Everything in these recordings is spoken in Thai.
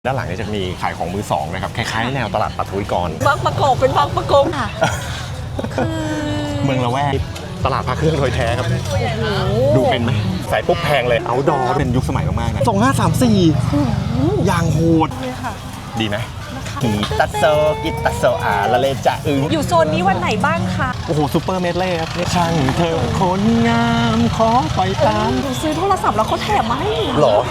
ด้านหลังจะมีขายของมือสองนะครับคล้ายๆแนวตลาดปัทวิกรบางประกอบเป็นบางประกงค่ะคือเมืองละแวกตลาดพระเครื่องโดยแท้ครับดูเป็นไหมใส่ปุ๊บแพงเลยเอาดอเป็นยุคสมัยมากๆนะ2534อย่างโหดดีไหมกีตัสโซละเลจะอยู่โซนนี้วันไหนบ้างคะโอ้โหซูเปอร์เมดเล่ครับช่างเธอคนงามขอปล่อยตามซื้อโทรศัพท์แล้วเขาแถมมาให้หรอ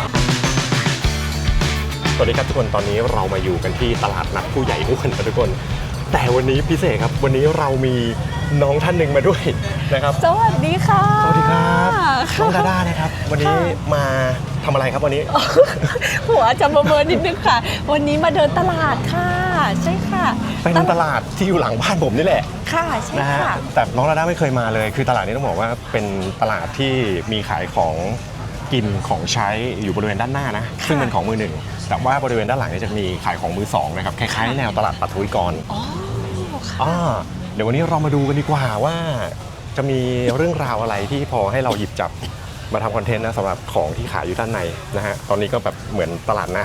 สวัสดีครับทุกคนตอนนี้เรามาอยู่กันที่ตลาดนัดผู้ใหญ่อ้วนทุกคนแต่วันนี้พิเศษครับวันนี้เรามีน้องท่านหนึ่งมาด้วยนะครับสวัสดีค่ะสวัสดีครับน้องดาด้านะครับวันนี้มาทำอะไรครับวันนี้หัวจะเบอร์นิดนึงค่ะวันนี้มาเดินตลาดค่ะใช่ค่ะเป็นตลาดที่อยู่หลังบ้านผมนี่แหละค่ะใช่ค่ะแต่น้องดาด้าไม่เคยมาเลยคือตลาดนี้ต้องบอกว่าเป็นตลาดที่มีขายของกินของใช้อยู่บริเวณด้านหน้านะซึ่งเป็นของมือหนึ่งแต่ว่าบริเวณด้านหลังจะมีขายของมือสองนะครับคล้ายๆแนวตลาดปัทวิกรเดี๋ยววันนี้เรามาดูกันดีกว่าว่าจะมีเรื่องราวอะไรที่พอให้เราหยิบจับมาทำคอนเทนต์นะสำหรับของที่ขายอยู่ด้านในนะฮะตอนนี้ก็แบบเหมือนตลาดน้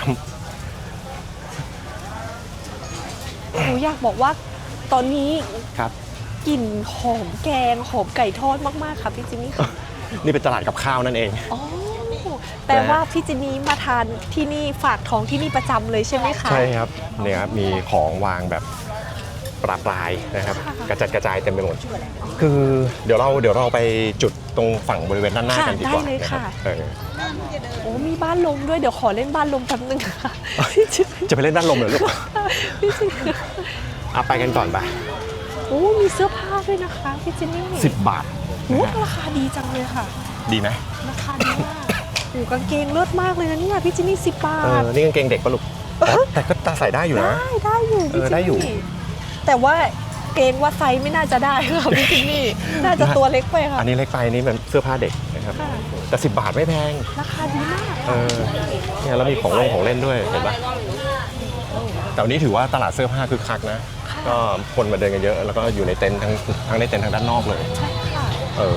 ำหนูอยากบอกว่าตอนนี้ครับกลิ่นหอมแกงหอมไก่ทอดมากๆค่ะพี่จินนี่ค่ะนี่เป็นตลาดกับข้าวนั่นเองแต่ว่าพี่จินนี่มาทานที่นี่ฝากท้องที่นี่ประจำเลยใช่ไหมคะใช่ครับเนี่ยครับมีของวางแบบปลายนะครับกระจัดกระจายเต็มไปหมดคือเดี๋ยวเราไปจุดตรงฝั่งบริเวณด้านหน้ากันดีกว่าได้เลยค่ะโอ้มีบ้านลมด้วยเดี๋ยวขอเล่นบ้านลมแป๊บนึงค่ะจะไปเล่นบ้านลมเหรอลูกพี่จินไปกันก่อนไปโอ้มีเสื้อผ้าด้วยนะคะพี่จินนี่ 10 บาทราคาดีจังเลยค่ะดีไหมราคาดีมากกางเกงเลิศมากเลยนะเนี่ยพี่จินนี่10 บาทนี่กางเกงเด็กปะลูกแต่ก็ตาใส่ได้อยู่นะได้อยู่ได้อยู่แต่ว่าเกงว่าไซส์ไม่น่าจะได้ค่ะพี่จินนี่น่าจะตัวเล็กไปค่ะอันนี้เล็กไปนี่เป็นเสื้อผ้าเด็กนะครับแต่10 บาทไม่แพงราคาดีมากเนี่ยแล้วมีของเล่นด้วยเห็นปะแต่วันนี้ถือว่าตลาดเสื้อผ้าคือคักนะก็คนมาเดินกันเยอะแล้วก็อยู่ในเต็นท์ทั้งในเต็นท์ทางด้านนอกเลยใช่ค่ะ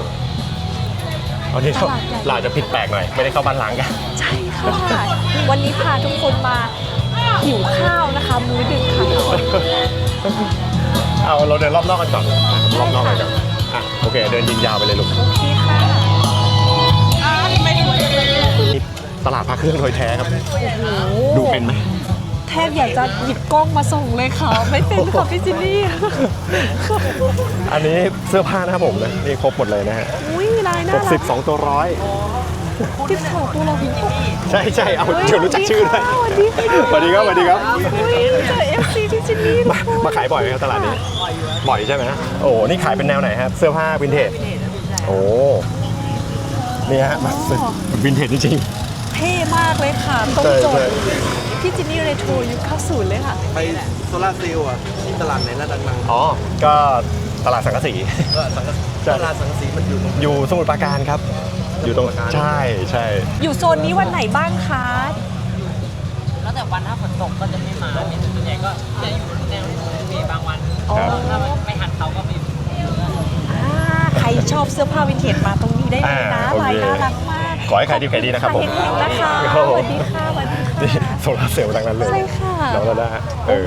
เอาที่เราจะผิดแปลกหน่อยไม่ได้เข้าบ้านล้างกันใช่ค่ะวันนี้พาทุกคนมาหิวข้าวนะคะมื้อดึกค่ะเราเดินรอบนอกกันก่อนรอบนอกกันก่อนโอเคเดินยิงยาวไปเลยลูกโอเคค่ะตลาดพระเครื่องโดยแท้ครับดูเป็นไหมแทบอยากจะหยิบกล้องมาส่งเลยค่ะไม่เป็นค่ะพี่จินนี่อันนี้เสื้อผ้านะครับผมนะนี่ครบหมดเลยนะฮะลายน่ารัก 12 ตัวร้อย 12 ตัวร้อยใช่เอาเดี๋ยวรู้จักชื่อด้วยสวัสดีครับ FC พี่จินนี่มาขายบ่อยไหมครับตลาดนี้บ่อยใช่ไหมโอ้นี่ขายเป็นแนวไหนครับเสื้อผ้าวินเทจโอ้นี่ฮะวินเทจจริงๆเท่มากเลยค่ะตรงโจทย์พี่จินนี่เรโทรยุค90เลยค่ะไปโซล่าเซลล์ที่ตลาดไหนน่าดังๆก็ตลาดสังกะสีตลาดสังกะสีมันอยู่สมุทรปราการครับอยู่ตรงใช่อยู่โซนนี้วันไหนบ้างคะแล้วแต่วันถ้าฝนตกก็จะไม่มาส่วนใหญ่ก็จะอยู่แนวมีบางวันถ้าไม่หันเขาก็มีใครชอบเสื้อผ้าวินเทจมาตรงนี้ได้เลยนะลายน่ารักมากขอให้ขายดีนะครับผมนะคะสวัสดีค่ะโซลาเซลล์ดังนั้นเลยใช่ค่ะน้องดาด้า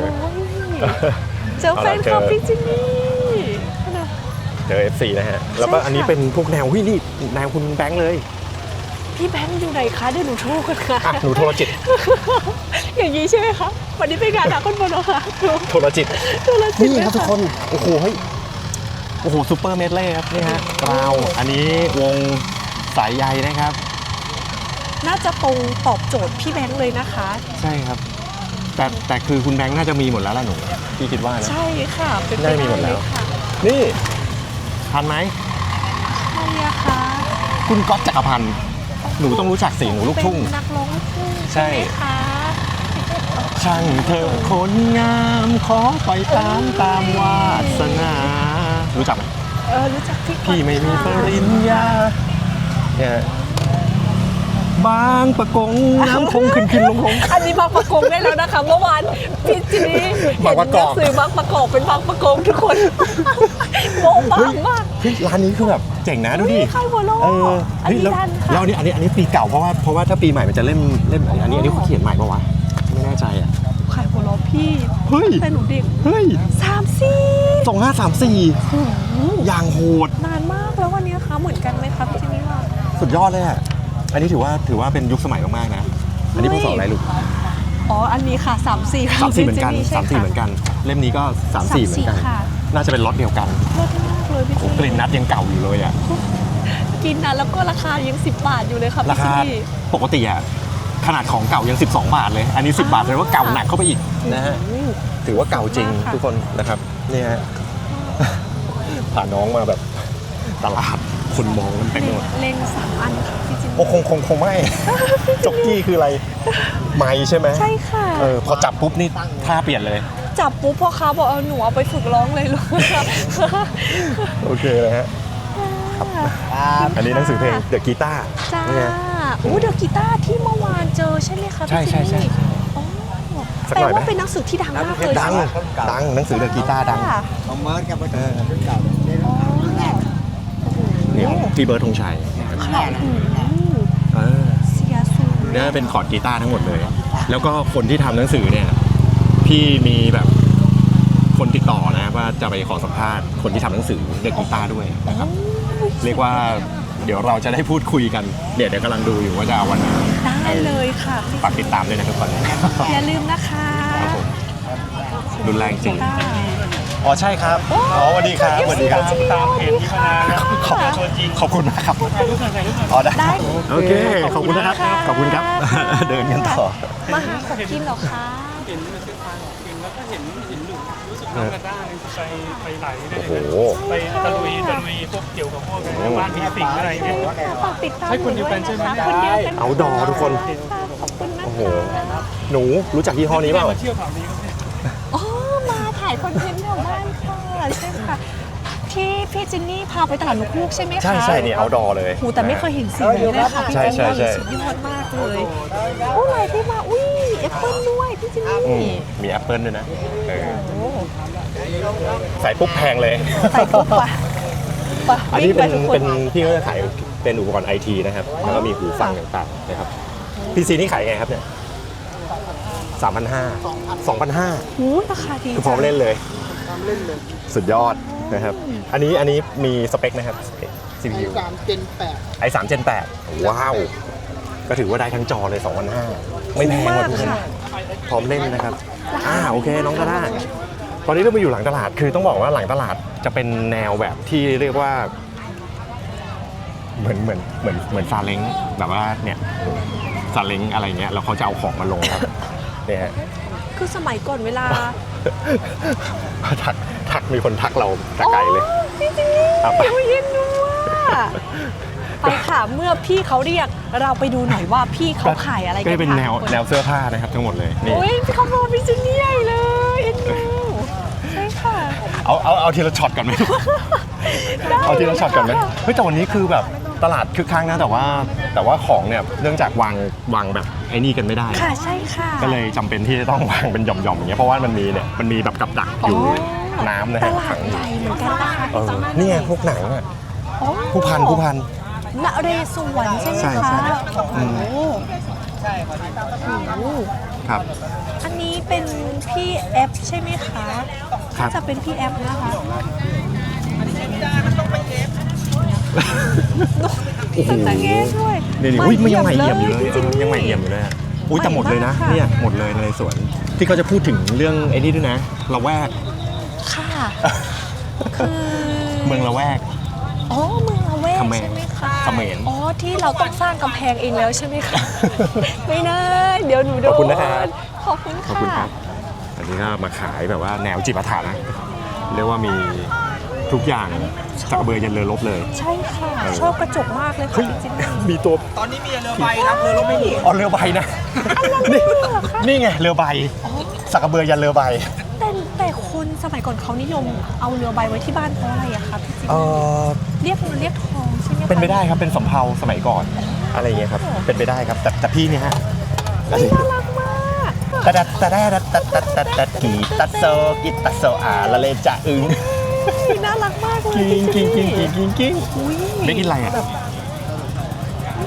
เจอแฟนคลับพี่จินนี่เจอ FC นะฮะแล้วก็อันนี้เป็นพวกแนวนี่แนวคุณแบงค์เลยพี่แบงค์อยู่ไหนคะเดี๋ยวหนูโทรกันค่ะหนูโทรจิตอย่างนี้ใช่ไหมคะวันนี้เป็นงานหนักคนบนค่ะโทรจิตนี่ครับทุกคนโอ้โหซูเปอร์เมดเล่ครับนี่ฮะอันนี้วงสายใยนะครับน่าจะตรงตอบโจทย์พี่แบงค์เลยนะคะใช่ครับแต่คือคุณแบงค์น่าจะมีหมดแล้วล่ะหนูพี่คิดว่านะใช่ค่ะเป็นได้มีหมดแล้วนี่ทันไหมใช่ค่ะคุณก๊อตจักรพันธ์หนูต้องรู้จักสิหนูลูกทุ่งนักร้องลูกทุ่งใช่ค่ะช่างเธอคนงามขอปล่อยตามวาสนารู้จักไหมรู้จักพี่ไม่มีปริญญาเนี่ยบางประกงน้ำคงขึ้นลงอันนี้บางประกงได้แล้วนะคะเมื่อวานพี่จินนี่เห็นหนังสือบางประกอบเป็นบางประกงทุกคนโบ๊ะบางมากร้านนี้คือแบบเจ๋งนะดูดิใครหัวโลอันนี้ปีเก่าเพราะว่าถ้าปีใหม่มันจะเล่มอันนี้เขาเขียนใหม่ปะวะไม่แน่ใจพี่เฮ้ยแต่หนูเด็กเฮ้ย 30 2534อย่างโหดนานมากแล้ววันนี้คะเหมือนกันไหมคะพี่จินนี่ว่าสุดยอดเลยอ่ะอันนี้ถือว่าเป็นยุคสมัยมากๆนะอันนี้พศอะไรลูกอ๋ออันนี้ค่ะ34 34เหมือนกันพี่จิ 34เหมือนกัน เล่มนี้ก็34เหมือนกันค่ะน่าจะเป็นล็อตเดียวกันเลิศมากเลยพี่โอ้จินกลิ่นนัดยังเก่าอยู่เลยอ่ะกินนะแล้วก็ราคายัง10 บาทอยู่เลยค่ะราพี่คาจินนี่ปกติอ่ะขนาดของเก่ายัง12 บาทเลย อันนี้ 10 บาทเลยว่าเก่าหนักเข้าไปอีกนะฮะถือว่าเก่าจริงทุกคนนะครับเนี่ยฮะพาน้องมาแบบตลาดคนมองกันเต็มไปหมดเล็ง3 อันค่ะพี่จินนี่โอ้คงไม่ จ็อกกี้คืออะไรไม้ใช่ไหมใช่ค่ะพอจับปุ๊บนี่ท่าเปลี่ยนเลยจับปุ๊บพ่อค้าบอกเอาหนูเอาไปฝึกร้องเลยลูกโอเคเลยฮะอันนี้หนังสือเพลงเดอะกีตาร์จ้านี่ไงโอ้เดอะกีตาร์ที่เมื่อวานเจอใช่ไหมคะพี่ใช่จินนี่ใช่อ๋อสักแปลหน่อยไหมว่าเป็นหนังสือที่ดังมากเลยดังหนังสือเดอะกีตาร์ดังค่ะเอาเมิร์ดกับเก่าอ๋อเนี่ยพี่เบิร์ดธงชัยนะครับเสียสูงเนี่ยเป็นคอร์ดกีตาร์ทั้งหมดเลย แล้วก็คนที่ทำหนังสือเนี่ยพี่มีแบบคนติดต่อนะว่าจะไปขอสัมภาษณ์คนที่ทำหนังสือเดอะกีตาร์ด้วยนะครับ เรียกว่าเดี๋ยวเราจะได้พูดคุยกันเดี๋ยวกำลังดูอยู่ว่าจะเอาวันไหนได้เลยค่ะฝากติดตามด้วยนะครับตอนนี้อย่าลืมนะคะครับผมรุนแรงจริงค่ะอ๋อใช่ครับอ๋อสวัสดีครับสวัสดีครับตามเพจที่มานานแล้วขอบคุณมากครับอ๋อได้ได้โอเคขอบคุณนะครับขอบคุณครับ เดินกันต่อมาหาของกินเหรอคะเห็นมันคือทางของกินแล้วก็เห็นหนูรู้สึกน้องกระด้างไปไหลได้โอ้เลยโหนะไปตะลุยพวกเกี่ยวกับพวกบ้านผีสิงอะไรเนี่ยฝากติดตามใช่คนเดียวกันใช่ไหมคนเดียวกันเอาดอทุกคนขอบคุณนะโอ้โหคะหนูรู้จักยี่ห้อนี้เปล่ามาเที่ยวแถวนี้ก็เนี่ยอ๋อมาถ่ายคอนเทนต์แถวบ้านค่ะใช่ค่ะที่พี่จินนี่พาไปตลาดนกฮูกใช่ไหมคะใช่เนี่ยเอาดอเลยหูแต่ไม่เคยเห็นสีนี้เลยค่ะพี่ใช่จินใช่นี่ใช่สุดยอดมากเลยโอ้ลายที่มาอุ้ยแอปเปิ้ลด้วยพี่จินนี่อืมมีแอปเปิลด้วยนะเออโอ้ใส่ปุ๊บแพงเลยใส่ปุ๊บปะปะอันนี้วิ่งไทุกคเป็นพี่ก็จะขายเป็นอุปกรณ์ไอทีนะครับ แล้วก็มีหูฟังต่างๆนะครับพีซีนี่ขายไงครับเนี่ย3,500 2,500 หูราคาดีคือพร้อมเล่นเลย สุดยอดนะครับ อันนี้มีสเปคนะครับ CPU 3 Gen 8 i3 Gen 8ว้าว ก็ถือว่าได้ทั้งจอเลย 2,500 ไม่แพงกว่าทุกคนพร้อมเล่นนะครับโอเคน้องก็ได้ ตอนนี้เราไปอยู่หลังตลาด คือต้องบอกว่าหลังตลาดจะเป็นแนวแบบที่เรียกว่า เหมือนซาเล้งแบบว่าเนี่ยซาเล้งอะไรเงี้ยแล้วเขาจะเอาของมาลงครับเนี่ยฮะคือสมัยก่อนเวลาทักมีคนทักเราแต่ไกลเลยพี่จินนี่เอาไปโอ้ยเย็นดูว่าไปค่ะเมื่อพี่เขาเรียกเราไปดูหน่อยว่าพี่เขาขายอะไรกันก็จะเป็นค่ะแนวเสื้อผ้านะครับทั้งหมดเลยนี่โอ้ยเขาโดนพี่จินนี่ใหญ่เลยเอ็นดูใช่ค่ะเอาทีละช็อตก่อนไหม เอาทีละช็อตก่อนไหมเฮ้ยแต่วันนี้คือแบบตลาดคึกคักนะแต่ว่าของเนี่ยเนื่องจากวางแบบไอ้นี่กันไม่ได้ค่ะใช่ค่ะก็เลยจำเป็นที่จะต้องวางเป็นหย่อมๆอย่างเงี้ยเพราะว่ามันมีแบบกับดักอยู่น้ำนะตฮะลาดใหญ่เหมือนกันนะคะนี่ไงพวกหนังอ่ะอ๋อผู้พันนเรศวรใช่ไหมใช่คะอืโอ้มโหครับอันนี้เป็นพี่แอปใช่ไหมคะครับจะเป็นพี่แอปนะคะโอ้โหตะเงี้ด้วยนี่อุ้ยมันยังใหม่เอี่ยมอยู่เลยจริงๆยังใหม่เอี่ยมอยู่เลยอะอุ้ยแต่หมดเลยนะใหม่มากค่ะเนี่ยหมดเลยในสวนที่เขาจะพูดถึงเรื่องไอ้นี่ด้วยนะละแวกค่ะ คือเมืองละแวกอ๋อเมืองละแวกเขมรใช่ไหมคะเขมรอ๋อที่เราต้องสร้างกำแพงเองแล้วใช่ไหมคะ ไม่นะเดี๋ยวหนูโดนขอบคุณนะครับขอบคุณขอบคุณคค่ะรับอันนี้ก็มาขายแบบว่าแนวจิปาถะนะเรียกว่ามีทุกอย่างจากกระเบือยันเรือรบเลยใช่ค่ะ ชอบกระจกมากเลยค่ะเฮ้ยจริงๆมีตัวตอนนี้มีเรือใบครับเรือรบไม่มีอ๋อเรือใบนะนี่ไงเรือใบสักกระเบือยันเรือใบแต่คนสมัยก่อนเขานิยมเอาเรือใบไว้ที่บ้านเพราะอะไรอะคะพี่จิ๊บ เรียกเงินเรียกทองใช่ไหมคะเป็นไปได้ครับเป็นสำเภาสมัยก่อนอะไรอย่างเงี้ยครับเป็นไปได้ครับแต่พี่เนี่ยฮะน่ารักมากตะดัดตะแดดตะตัดตะตัดกีตัดโซกิตัดโซละเลจะอึงน่ารักมากเลยกิ้งกิ้งกิ้งกิ้งกิ้งกิ้งอุ้ยไม่กินอะไรอ่ะแบบน่าจะ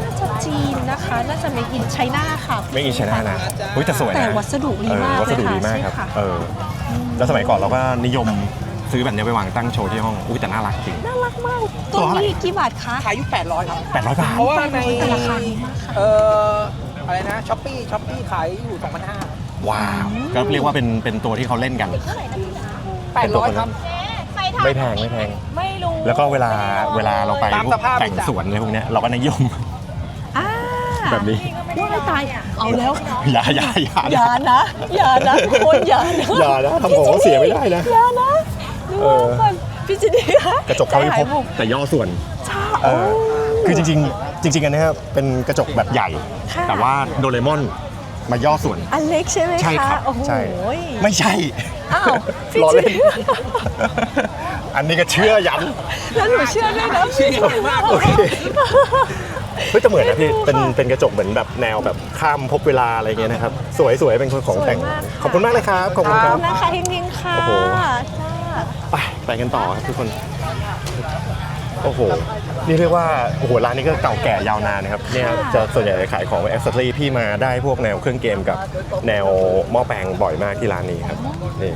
จีนนะคะ น่าจะเมกินไชน่าค่ะไม่กินชนะนะอุ้ยแต่สวยนะแต่วัสดุดีมากวัสดุดีมากเลยครับค่ะแล้วสมัยก่อนเราก็นิยมซื้อแบบนี้ไปวางตั้งโชว์ที่ห้องอุ้ยแต่น่ารักจริงน่ารักมาก ตัวนี้กี่บาทคะขายอยู่800ครับ 800 บาทเพราะว่าในแต่ราคาดีมากค่ะอะไรนะช้อปปี้ขายอยู่2,500 ว้าวก็เรียกว่าเป็นตัวที่เขาเล่นกัน 800ครับไม่แพงไม่แพงไม่รู้แล้วก็เวลาเราไปตามพวสกภาพแต่งสวนอะไรพวกเนี้ยเราก็นิยมอ่าแบบนี้ว่าให้ตาย เอาแล้วอย่าอย่านะทุกคนอย่านะอย่านะทำของเขาเสียไม่ได้นะอย่านะดูก่อนพี่จินนี่คะกระจกเขาไม่ใจพหายบบุกแต่ย่อส่วนช้าเอโอ้อคือจริงอันเนี้ยเป็นกระจกแบบใหญ่ค่ะแต่ว่าโดเรมอนมาย่อส่วนอันเล็กใช่ไหมคะใช่ครับโอ้โหใช่ไม่ใช่อ้าวพี่ล้อจิเล่นนอันนี้ก็เชื่อยันแล้วหนูเชื่อด้วยนะพี่จินโอเค เฮ้ยแต่เหมือนนะพี่เป็นกระจกเหมือนแบบแนวแบบข้ามภพเวลาอะไรเงี้ยนะครับสวยเป็นของแต่งขอบคุณมากเลยครับขอบคุณขคอบรับคุณนะคะเฮงๆค่ะโอ้โหจ้าไปกันต่อครับทุกคนโอ้โหนี่เรียกว่าโอ้โหร้านนี้ก็เก่าแก่ยาวนานนะครับเนี่ยจะส่วนใหญ่ขายของแอคเซสซอรี่พี่มาได้พวกแนวเครื่องเกมกับแนวหม้อแปลงบ่อยมากที่ร้านนี้ครับนี่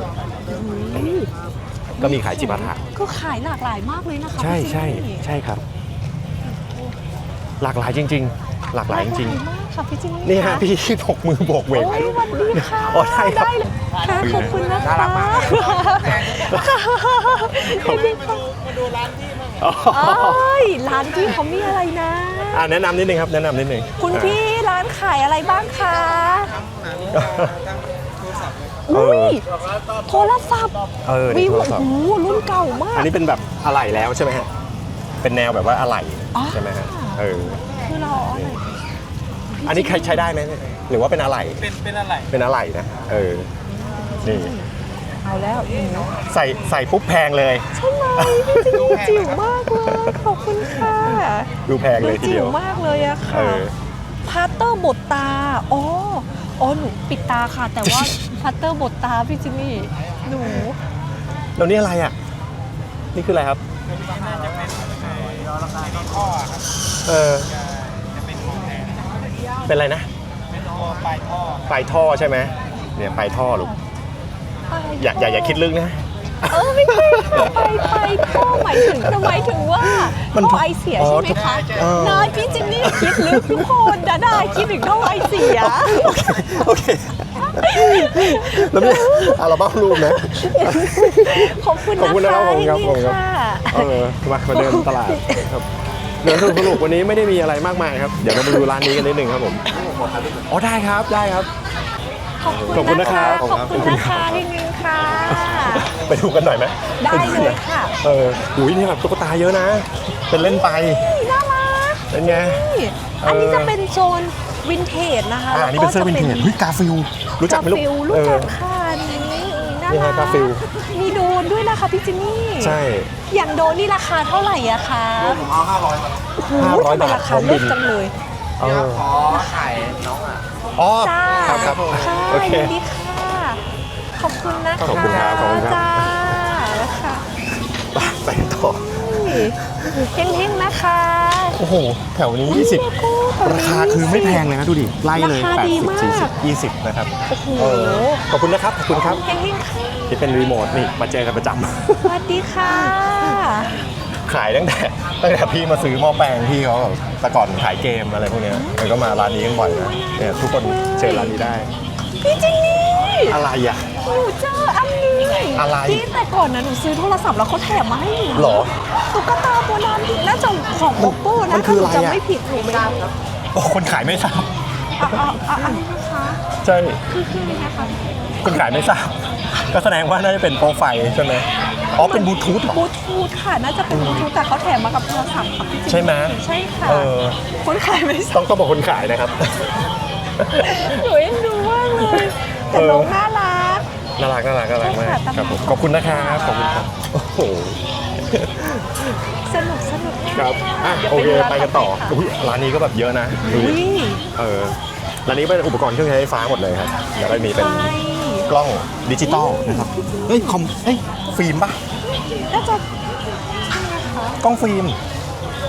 ก็มีขายจิปาถะก็ขายหลากหลายมากเลยนะคะใช่พี่จินนี่ใช่ครับ หลากหลายจริง ๆ หลากหลายจริงหลากหลายมากค่ะพี่จินๆนี่ฮะพี่บกมือโบกเวกโอ้ยสวัสดีค่ะอ๋อได้ครับเลยค่ะขอบคุณนะคะน่ารักมากมาดูร้านที่มั้งร้านที่เขามีอะไรนะแนะนำนิดนึงครับแนะนำนิดนึงคุณพี่ร้านขายอะไรบ้างคะเออุ้อยโทรศัพท์นี่วิวโทรศัพโอ้ท์โหรุ่นเก่ามากอันนี้เป็นแบบอะไหล่แล้วใช่ไหมฮะเป็นแนวแบบว่าอะไหล่อ๋อใช่ไหมฮะคือเราเอาอะไรอันนี้ใช้ได้ไหมหรือว่าเป็นอะไหล่เป็นอะไรเป็นอะไหล่นะนี่เอาแล้วหนูใส่ปุ๊บแพงเลยใช่ไหมพี่จิ๋วจิ๋วมากเลยขอบคุณค่ะดูแพงเลยทีจิ๋เดียว วมากเลยอะค่ะ พาสเตอร์บดตา อ๋อ หนูปิดตาค่ะ แต่ว่า พาสเตอร์บดตาพี่จิมมี่ หนูแล้วนี่อะไรอ่ะ นี่คืออะไรครับ เออเป็นอะไรนะ ปลายท่อใช่ไหมเนี่ยปลายท่อลูกอย่าคิดลึกนะไม่ใช่ค่ะไปท่อหมายถึงว่ามันท่อไอเสียใช่ไหมคะอ๋อนายพี่จิมมี่คิดลึกทุกคนดาคิดถึงท่อไอเสียโอเค แล้วนี่อัลบั้มรูปนะขอบคุณขอบคุณนะครับขอบคุณครับนี่ค่ะมาเดินตลาดครับเดินสนุกวันนี้ไม่ได้มีอะไรมากมายครับ เดี๋ยวเรามาดูร้านนี้กันนิดนึงครับผมอ๋อได้ครับ ขอบคุณนะครับขอบคุณนะคะเฮงๆค่ะไปดูกันหน่อยไหมได้เลยค่ะอุ้ยนี่แบบตุ๊กตาเยอะนะ เป็นเล่นไปน่ารักเป็นไงอันนี้จะเป็นโซนวินเทจนะคะอันนี้เป็นเสื้อวินเทจเฮ้ยกาฟิลรู้จักไหมลูกกาฟิลรู้จักค่ะอันนี้น่านี่รัฮะกาฟิลมีโดนด้วยนะคะพี่จิมมี่ใช่อย่างโดนนี่ราคาเท่าไหร่อะคะผมเอา500ครับโอ้โห 500 ทำไมราคาเลิศจังเลยเออขอถ่ายน้องอ่ะอ๋อจ้าครับค่ะโอเคยินดีค่ะ ขอบคุณนะคะขอบคุณครับขอบคุณครับจ้าค่ะไปต่อเฮงๆนะคะโอ้โห แถวนี้ 20 ราคาคือไม่แพงเลยนะดูดิ ไล่เลยราคาดีมาก 80 40 20 นะครับโอ้โหขอบคุณนะครับ ขอบคุณครับเฮงๆค่ะที่เป็นรีโมทนี่มาเจอกันประจสวัสดีค่ะำ ขายตั้งแต่พี่มาซื้อหม้อแปลงพี่เขาแบบแต่ก่อนขายเกมอะไรพวกเนี้ยมันก็มาร้านนี้กันบ่อยนะเนี่ยทุกคนเชิญร้านนี้ได้พี่จินนี่อะไรอ่ะหนูเจออันนี้อะไรที่แต่ก่อนนะหนูซื้อโทรศัพท์แล้วเขาแถมมาให้หนูหรอตุ๊กตาโบราณน่าจะของโอโก้มันะนคืออะไรถ้าหนูอะจำไม่ผิดหนูไม่ได้ครับโอ้คนขายไม่ทราบอันนี้นะคะใช่คืออะไรนะคะคนขายไม่ทราบ ก็แสดงว่าน่าจะเป็นโปรไฟล์ใช่ไหมอ๋อ เป็นบลูทูธเหรอบลูทูธค่ะ น่าจะเป็นบลูทูธแต่เขาแถมมากับโทรศัพท์ค่ะพี่จินใช่ไหมใช่ค่ะเออคนขายไม่ทราบต้องบอกคนขายนะครับหนูเอ็นดูมากเลยแต่น้องน่ารักน่ารักมากใช่ค่ะครับผมขอบคุณนะครับ ขอบคุณครับ โอ้โหสนุกมากครับอ่ะดี๋ยวโอเคดูไปกันต่ออุ๊ยร้านนี้ก็แบบเยอะนะดูอุ้ดิยร้านนี้เป็นอุปกรณ์เครื่องใช้ไฟฟ้าหมดเลยครับ แล้วก็มีเป็นใช่กล้องดิจิตอลนะครับ เฮ้ยฟิล์มปะน่าจะกล้องฟิล์มค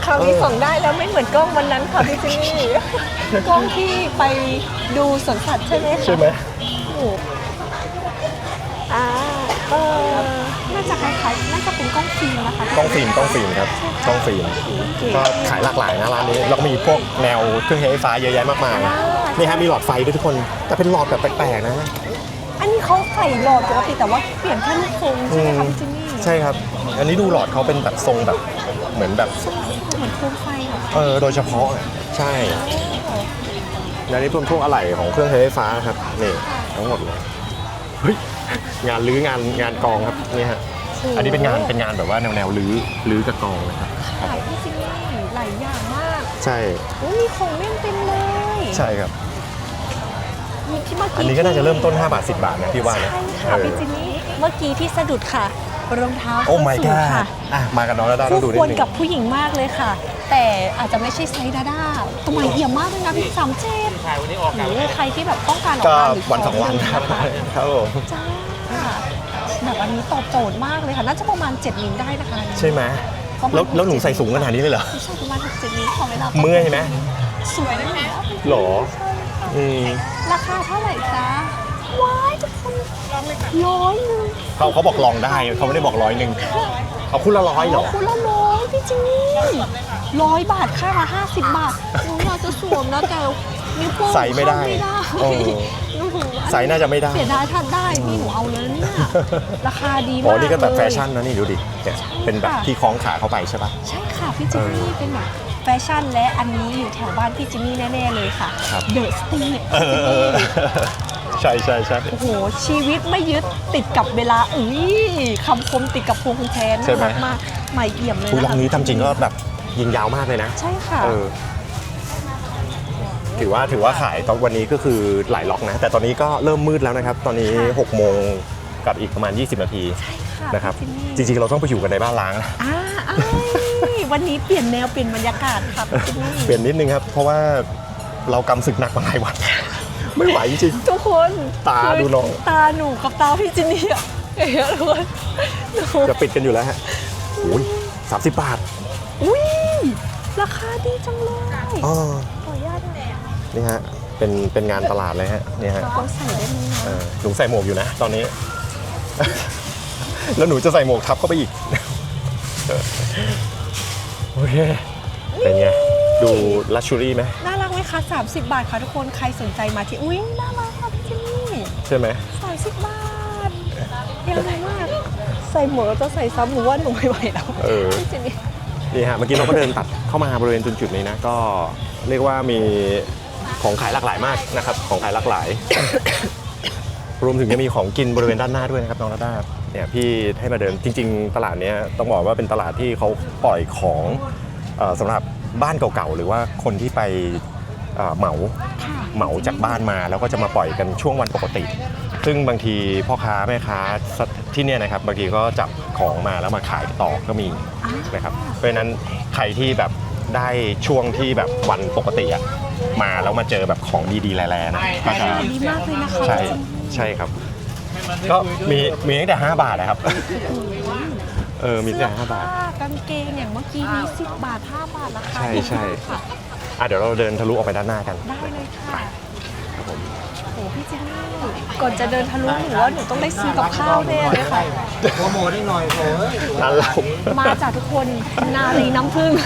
ราวนี้ส่องได้แล้วไม่เหมือนกล้องวันนั้นค่ะพี่จินนี่กล้องที่ไปดูสวนสัตว์ใช่ไหมคะใช่ไหมโอ้อ่าน่าจะคล้ายๆน่าจะเป็นกล้องฟิล์มนะคะกล้องฟิล์มครับกล้องฟิล์มก็ขายหลากหลายนะร้านนี้แล้วก็มีพวกแนวเครื่องใช้ไฟฟ้าเยอะแยะมากมายนี่ฮะมีหลอดไฟด้วยทุกคนแต่เป็นหลอดแบบแปลกๆนะอันนี้เขาใส่หลอดปกติแต่ว่าเปลี่ยนแค่ลูกทรงใช่ไหมคะพี่จินนี่ใช่ครับ อันนี้ดูหลอดเขาเป็นแบบทรงแบบเหมือนแบบเหมือนโคมไฟเหรอโดยเฉพาะอ่ะใช่แล้วนี่พวกอะไหล่ของเครื่องใช้ไฟฟ้าครับนี่ทั้งหมดเลยเฮ้ยงานรื้องานกองครับนี่ฮะอันนี้เป็นงานแบบว่าแนวรื้อกับกองนะครับขายพี่จินนี่หลายอย่างมากใช่โอ้มีของเล่นเต็มเลยใช่ครับมีที่เมื่อกี้อันนี้ก็น่าจะเริ่มต้น5 บาท 10 บาทนะพี่ว่านะใช่ค่ะพี่จินนี่เมื่อกี้ที่สะดุดค่ะรองเท้าโอ้ my ส้นสูง god ค่ะอ่ะมากับน้องแล้วต้องดูคู่นิควดรนึงกับผู้หญิงมากเลยค่ะ แต่อาจจะไม่ใช่ไซส์ดาด้าตัวใหม่เอี่ยมมากเลยนะพี่37 ถ่ายวันนี้ออกหกันรือใครที่แบบต้องการออกก็งานหรือวัน2 วันครับครับผมจ้าแบบอันนี้ตอบโจทย์มากเลยค่ะน่าจะประมาณ7นิ้วได้นะคะใช่ไหมแล้วหนูใส่สูงขนาดนี้เลยเหรอใช่ประมาณ6-7นิ้วขอเวลาเมื่อยไหมสวยนะแม่หรออืมราคาเท่าไหร่จ๊ะว้ายทุกคน100 เขาบอกลองได้เขาไม่ได้บอก100เอาคู่ละ100เหรอคุณละ100พี่จินนี่100 บาทค่ามา50 บาทหนูอยากจะสวมนะแต่นิ้วโป้งใส่ไม่ได้เข้าเอไม่อได้หนูใส่น่าจะไม่ได้เสียดายถ้าได้นี่หนูเอาเลยเนี่ยราคาดีมากอ๋อนี่ก็แบบเลยแฟชั่นนะนี่ดูดิเนี่ยเป็นแบบที่คล้องขาเข้าไปใช่ปะใช่ค่ะพี่จินนี่เป็นแบบแฟชั่นและอันนี้อยู่แถวบ้านพี่จินนี่แน่ๆเลยค่ะครับเดอะสตรีทใช่ใช่ใช่โอ้โหชีวิตไม่ยึดติดกับเวลาคำคมติดกับพวงคุณแทนใช่น่าไหมรักมากใหม่เอี่ยมเลยคุยนะร้าคะนนี้ทำจริงก็แบบยิงยาวมากเลยนะใช่ค่ะถือว่าขายตอนวันนี้ก็คือหลายล็อกนะ แต่ตอนนี้ก็เริ่มมืดแล้วนะครับ ตอนนี้ค่ะ 6 โมงกับอีกประมาณ 20 นาทีค่ะนะครับพี่จินนี่จริงๆ เราต้องไปอยู่กันในบ้านล้างนะอ้ายวันนี้เปลี่ยนแนวเปลี่ยนบรรยากาศค่ะพี่จินนี่เปลี่ยนนิดนึงครับ เพราะว่าเรากำศึกหนักมาหลายวัน ไม่ไหวจริงทุกคนตาดูน้องตาหนูกับตาพี่จินนี่อะเอ๋ทุกคนหนูจะปิดกันอยู่แล้วฮะโอ้ย30 บาทอุ้ยราคาดีจังเลยอ๋อขออนุญาตนะนี่ฮะเป็นงานตลาดเลยฮะนี่ฮะเราใส่ได้ไหมนะหนูใส่หมวกอยู่นะ ตอนนี้ แล้วหนูจะใส่หมวกทับเข้าไปอีก โอเคเป็นไงดูลักชัวรี่ไหมน่ารักไหมคะ30 บาทค่ะทุกคนใครสนใจมาที่อุ้ยน่ารักค่ะพี่จินนี่ใช่ไหม 30 บาทยังไงมากใส่หมวกแล้วจะใส่ซ้ำหนูว่าหนูไม่ไหวแล้วเออพี่จินนี่นี่ฮะเมื่อกี้เราก็เดินตัดเข้ามาบริเวณจุดๆนี้นะก็เรียกว่ามีของขายหลากหลายมากนะครับของขายหลากหลาย รวมถึงจะมีของกินบริเวณด้านหน้าด้วยนะครับน้องนาด้าเนี่ยพี่ให้มาเดินจริง ๆ ตลาดเนี้ยต้องบอกว่าเป็นตลาดที่เขาปล่อยของสำหรับบ้านเก่าๆหรือว่าคนที่ไปเหมาจากบ้านมาแล้วก็จะมาปล่อยกันช่วงวันปกติ ซึ่งบางทีพ่อค้าแม่ค้าที่เนี่ยนะครับบางทีก็จับของมาแล้วมาขายต่อก็มีนะครับเพราะฉะนั้นใครที่แบบได้ช่วงที่แบบวันปกติอะมาแล้วมาเจอแบบของดีๆแร่ๆนะก็จะดีมากเลยนะคะใช่ครับ ก็มีตั้งแต่5 บาทนะครับ มีตั้งแต่5 บาทกางเกงอย่างเมื่อกี้นี้10 บาท 5 บาทราคาใช่ดีใช่มากค่ะเดี๋ยวเราเดินทะลุออกไปด้านหน้ากันได้เลยค่ะโอ้พี่เจนนี่ก่อนจะเดินทะลุหนูว่าหนูต้องได้ซื้อกับข้าวแน่เลยค่ะโปรโมทได้หน่อยโอ้ยร้านเรามาจากทุกคนนารีน้ำผึ้ง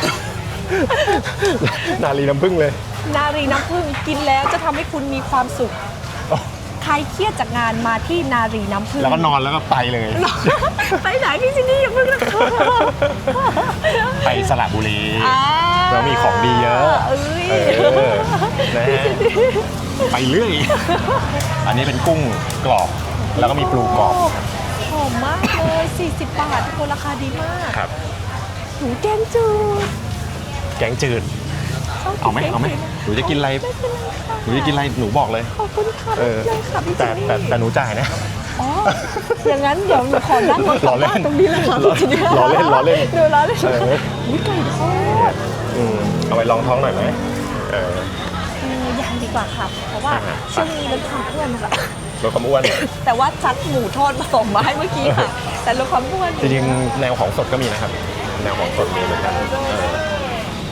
นาลีน้ำผึ้งเลยนารีน้ำผึ้งกินแล้วจะทำให้คุณมีความสุข ใครเครียดจากงานมาที่นารีน้ำผึ้งแล้วก็นอนแล้วก็ไปเลยไปไหนพี่เจนนี่อย่าเพิ่งนะคะไปสระบุรี แล้วมีของดีเยอะเอ้ยนะฮะไปเรื่อย อันนี้เป็นกุ้งกรอบ แล้วก็มีปลูกรอบหอมมากเลย40 บาททุกคนราคาดีมากครับหนูแกงจืดแกงจืด เอาไหมหนูจะกินอะไร หนูจะกินอะไร หนูบอกเลยขอบคุณค่ะเออเลยค่ะพี่เจแต่นนี่แต่หนูจ่ายนะอ๋ออย่างนั้นเดี๋ยวหนูขอนั่งรถกลับบ้านตรงนี้เลยค่ะพี่เจนนี่ล้อเล่นเดี๋ยวล้อเล่นเอออุ๊ยไก่ทอดเอาไปลองท้องหน่อยไหมเออยังดีกว่าค่ะ เพราะว่าอ่าช่วงนี้ลดความอ้วนค่ะลดความอ้วนแต่ว่าจัดหมูทอดมาส่งมาให้เมื่อกี้ค่ะ แต่ลดความอ้วนจริงๆแนวของสดก็มีนะครับ แนวของสดมีเหมือนกัน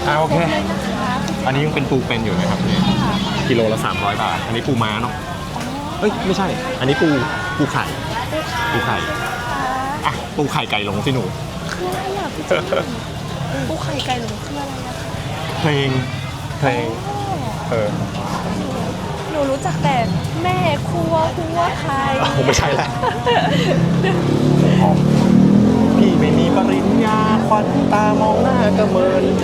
โอเคเลยนะคะอันนี้ยังเป็นปูเป็นอยู่นะครับนี่กิโลละ300 บาท อันนี้ปูม้าเนาะเอ้ยไม่ใช่ อันนี้ปูไข่ปูไข่อ่ะปูไข่ไก่หลงสิหนูคืออะไรอ่ะพี่จิ๊บปูไข่ไก่หลงคืออะไรอะคะเพลงหนูรู้จักแต่แม่ครัวไข่ผมไม่ใช่แหละพี่ไม่มีปริญญาควันตามองหน้ากระเมิน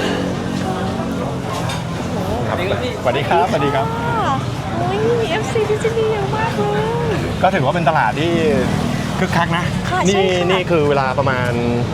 ครับสวัสดีครับสวัสดีครับค่ะโอ้ยมี FC พี่จิ๊บเยอะมากเลยก็ถือว่าเป็นตลาดที่คึกคักนะค่ะใช่นี่ค่ะนี่คือเวลาประมาณ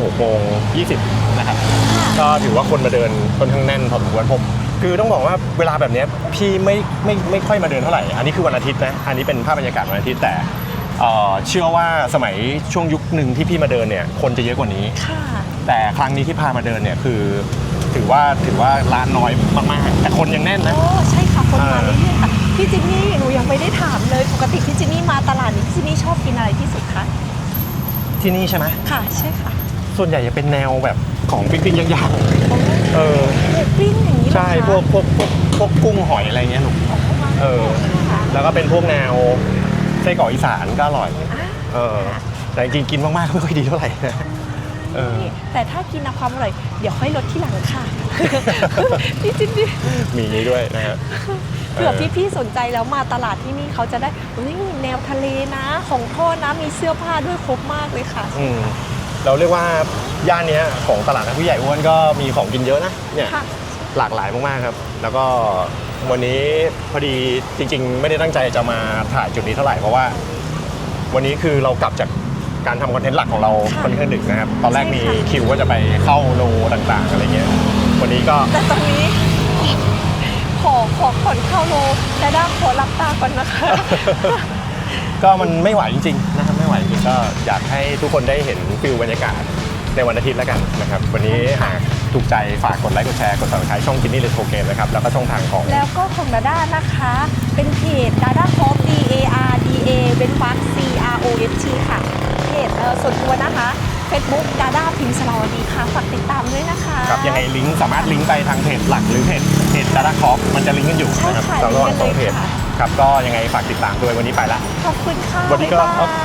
6:20นะครับ ก็ถือว่าคนมาเดินค่อนข้างแน่นพอสมควรผมคือต้องบอกว่าเวลาแบบเนี้ยพี่ไม่ค่อยมาเดินเท่าไหร่ อันนี้คือวันอาทิตย์นะ อันนี้เป็นภาพบรรยากาศวันอาทิตย์แต่เชื่อว่าสมัยช่วงยุคหนึ่งที่พี่มาเดินเนี่ยคนจะเยอะกว่านี้ค่ะแต่ครั้งนี้ที่พามาเดินเนี่ยคือถือว่าร้านน้อยมากๆแต่คนยังแน่นนะโอ้ใช่ค่ะคนมาเรื่อยๆค่ะพี่จินนี่หนูยังไม่ได้ถามเลยปกติพี่จินนี่มาตลาดนี้พี่จินนี่ชอบกินอะไรที่สุดคะที่นี่ใช่ไหมค่ะใช่ค่ะส่วนใหญ่จะเป็นแนวแบบของปิ้งๆย่างโอ้ๆหมูปิ้งอย่างนี้เหรอใช่คะพวกกุ้งหอยอะไรเงี้ยลูกแล้วก็เป็นพวกแนวไส้กรอกอีสานก็อร่อยแต่จริงๆกินมากๆไม่ค่อยดีเท่าไหร่นะแต่ถ้ากินเอาความอร่อยเดี๋ยวค่อยลดที่หลังค่ะ พี่จินนี่มีนี้ด้วยนะฮะเผื่อพี่ๆสนใจแล้วมาตลาดที่นี่เขาจะได้แนวทะเลนะของทอดนะมีเสื้อผ้าด้วยครบมากเลยค่ะเราเรียกว่าย่านเนี้ยของตลาดนักผู้ใหญ่อ้วนก็มีของกินเยอะนะเนี่ยค่ะหลากหลายมากๆครับ แล้วก็วันนี้พอดีจริงๆ ไม่ได้ตั้งใจจะมาถ่ายจุดนี้เท่าไหร่เพราะว่าวันนี้คือเรากลับจากการทำคอนเทนต์หลักของเราค่อนข้างดึกนะครับตอนแรกมีคิวว่าจะไปเข้าโลต่างๆอะไรเงี้ยวันนี้ก็แต่ตรงนี้ขอก่อนเข้าโลแต่ด้าขอรับตาก่อนนะคะก็มันไม่ไหวจริงๆนะครับไม่ไหวจริงๆก็อยากให้ทุกคนได้เห็นฟิลบรรยากาศในวันอาทิตย์แล้วกันนะครับวันนี้หากถูกใจฝากกดไลค์กดแชร์กด Subscribe ช่องกินนี่เลโทเกมนะครับแล้วก็ช่องทางของแล้วก็ของดาด้านะคะ เป็นเพจดาด้าคอฟ DARDA เป็นฟัก CROFT ค่ะเพจส่วนตัวนะคะ Facebook ดาด้าพิมพ์สลาวดีค่ะฝากติดตามด้วยนะคะครับยังไงลิงก์สามารถลิงก์ไปทางเพจหลักหรือเพจดาราคอฟมันจะลิงก์กันอยู่นะครับใช่ค่ะระหว่างสองเพจลิงก์กันเลยค่ะครับก็ยังไงฝากติดตามด้วยวันนี้ไปละขอบคุณค่ะวันนี้ก็บ๊ายบาย